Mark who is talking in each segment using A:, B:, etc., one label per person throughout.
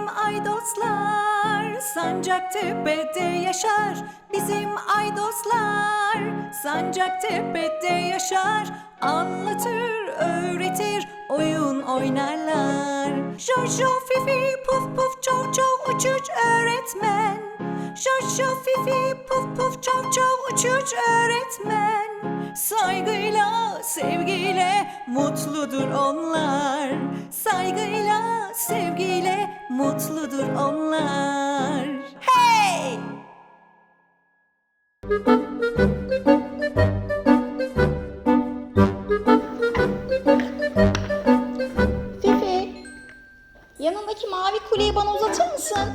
A: Bizim Aydoslar Sancaktepe'de yaşar. Bizim Aydoslar Sancaktepe'de yaşar. Anlatır, öğretir, oyun oynarlar. Jojo, Fifi, Puf Puf, Çov Çov, Uç Uç öğretmen. Jojo, Fifi, Puf Puf, Çov Çov, Uç Uç öğretmen. Saygıyla, sevgiyle mutludur onlar. Saygıyla, sevgiyle mutludur onlar. Hey!
B: Fifi, yanındaki mavi kuleyi bana uzatır mısın?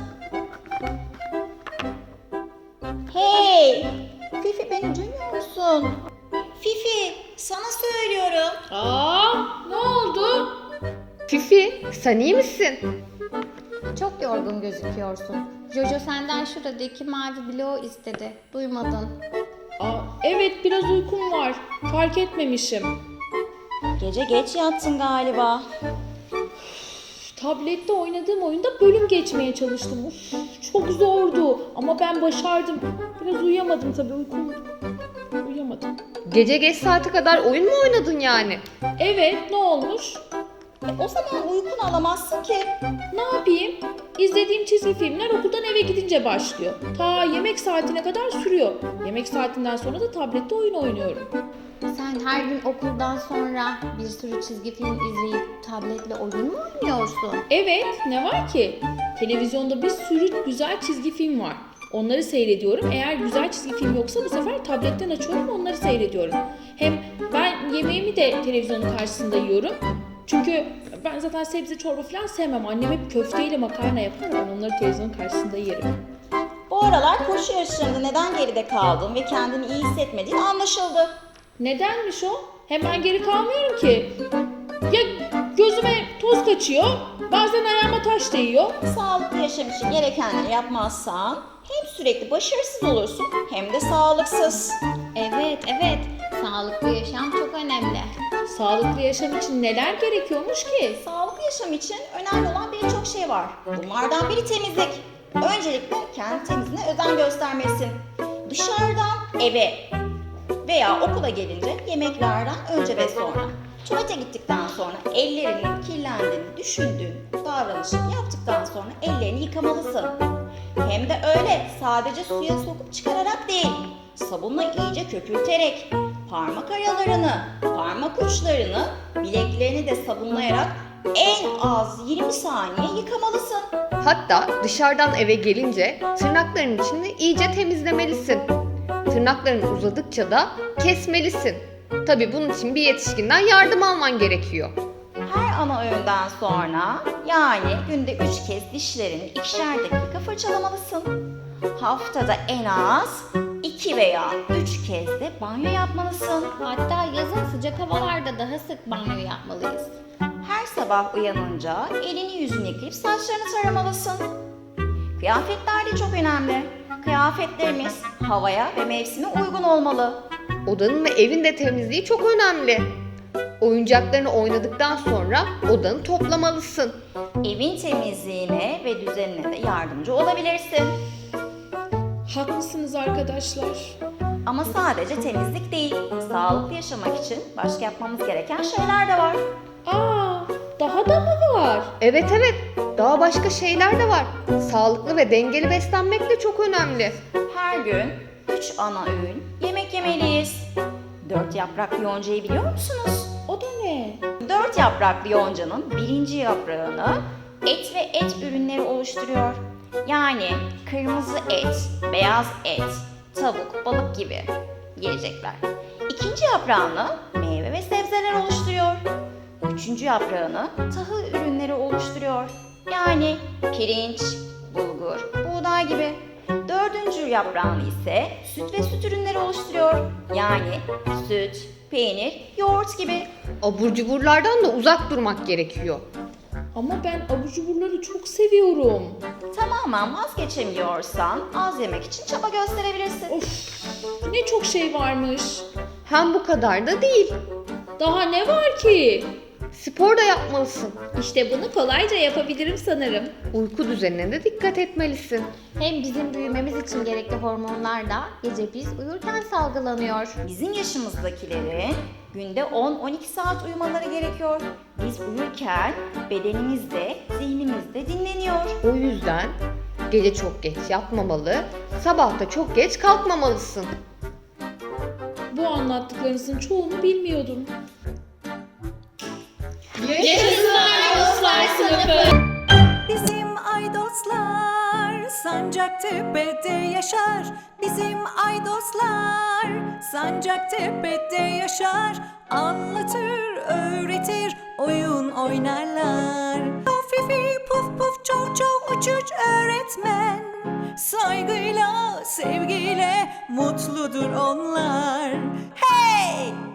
B: Hey! Fifi, beni duymuyor musun? Fifi, sana söylüyorum.
C: Ne oldu? Fifi, sen iyi misin?
D: Çok yorgun gözüküyorsun. Jojo senden şuradaki mavi bloğu istedi. Duymadın.
C: Evet, biraz uykum var. Fark etmemişim.
B: Gece geç yattın galiba.
C: Tablette oynadığım oyunda bölüm geçmeye çalıştım. Çok zordu ama ben başardım. Biraz uyuyamadım tabii, uyuyamadım.
E: Gece geç saate kadar oyun mu oynadın yani?
C: Evet, ne olmuş?
B: O zaman uykunu alamazsın ki.
C: Ne yapayım? İzlediğim çizgi filmler okuldan eve gidince başlıyor. Ta yemek saatine kadar sürüyor. Yemek saatinden sonra da tablette oyun oynuyorum.
D: Sen her gün okuldan sonra bir sürü çizgi film izleyip tabletle oyun mu oynuyorsun?
C: Evet, ne var ki? Televizyonda bir sürü güzel çizgi film var. Onları seyrediyorum. Eğer güzel çizgi film yoksa bu sefer tabletten açıyorum, onları seyrediyorum. Hem ben yemeğimi de televizyonun karşısında yiyorum. Çünkü ben zaten sebze çorba falan sevmem. Annem hep köfteyle makarna yapar. Ben onları televizyonun karşısında yerim.
B: Bu aralar koşu yarışlarında neden geride kaldın ve kendini iyi hissetmediğin anlaşıldı.
C: Nedenmiş o? Hemen geri kalmıyorum ki. Ya gözüme toz kaçıyor, bazen ayağıma taş değiyor.
B: Sağlıklı yaşam için gerekenleri yapmazsan hem sürekli başarısız olursun hem de sağlıksız.
D: Evet. Sağlıklı yaşam çok önemli.
C: Sağlıklı yaşam için neler gerekiyormuş ki?
B: Sağlıklı yaşam için önemli olan birçok şey var. Bunlardan biri temizlik. Öncelikle kendi temizliğine özen göstermelisin. Dışarıdan eve veya okula gelince yemeklerden önce ve sonra. Tuvalete gittikten sonra ellerinin kirlendiğini düşündüğün davranışı yaptıktan sonra ellerini yıkamalısın. Hem de öyle sadece suya sokup çıkararak değil, sabunla iyice köpürterek, parmak aralarını, parmak uçlarını, bileklerini de sabunlayarak en az 20 saniye yıkamalısın.
E: Hatta dışarıdan eve gelince tırnakların içini iyice temizlemelisin. Tırnakların uzadıkça da kesmelisin. Tabii bunun için bir yetişkinden yardım alman gerekiyor.
B: Her ana öğünden sonra yani günde 3 kez dişlerini 2'şer dakika fırçalamalısın. Haftada en az 2 veya 3 kez de banyo yapmalısın.
D: Hatta yazın sıcak havalarda daha sık banyo yapmalıyız.
B: Her sabah uyanınca elini yüzünü yıkayıp saçlarını taramalısın. Kıyafetler de çok önemli. Kıyafetlerimiz havaya ve mevsime uygun olmalı.
E: Odanın ve evin de temizliği çok önemli. Oyuncaklarını oynadıktan sonra odanı toplamalısın.
B: Evin temizliğine ve düzenine de yardımcı olabilirsin.
C: Haklısınız arkadaşlar.
B: Ama sadece temizlik değil, sağlıklı yaşamak için başka yapmamız gereken şeyler de var.
C: Daha da mı var?
E: Evet, daha başka şeyler de var. Sağlıklı ve dengeli beslenmek de çok önemli.
B: Her gün 3 ana öğün yemek yemeliyiz. 4 yapraklı yoncayı biliyor musunuz?
C: O da ne?
B: 4 yapraklı yoncanın birinci yaprağını et ve et ürünleri oluşturuyor. Yani kırmızı et, beyaz et, tavuk, balık gibi yiyecekler. İkinci yaprağını meyve ve sebzeler oluşturuyor. Üçüncü yaprağını tahıl ürünleri oluşturuyor. Yani pirinç, bulgur, buğday gibi. Dördüncü yaprağını ise süt ve süt ürünleri oluşturuyor. Yani süt, peynir, yoğurt gibi.
E: Abur cuburlardan da uzak durmak gerekiyor.
C: Ama ben abur cuburları çok seviyorum.
B: Tamamen vazgeçemiyorsan az yemek için çaba gösterebilirsin.
C: Of, ne çok şey varmış.
E: Hem bu kadar da değil.
C: Daha ne var ki?
E: Spor da yapmalısın.
C: İşte bunu kolayca yapabilirim sanırım.
E: Uyku düzenine de dikkat etmelisin.
D: Hem bizim büyümemiz için gerekli hormonlar da gece biz uyurken salgılanıyor.
B: Bizim yaşımızdakilerin günde 10-12 saat uyumaları gerekiyor. Biz uyurken bedenimiz de zihnimiz de dinleniyor.
E: O yüzden gece çok geç yatmamalı, sabah da çok geç kalkmamalısın.
C: Bu anlattıklarınızın çoğunu bilmiyordum.
A: Bizim Aydoslar Sancaktepe'de yaşar. Bizim Aydoslar Sancaktepe'de yaşar. Anlatır, öğretir, oyun oynarlar. Fifi puf puf çov çov uçuç öğretmen. Saygıyla, sevgiyle mutludur onlar. Hey!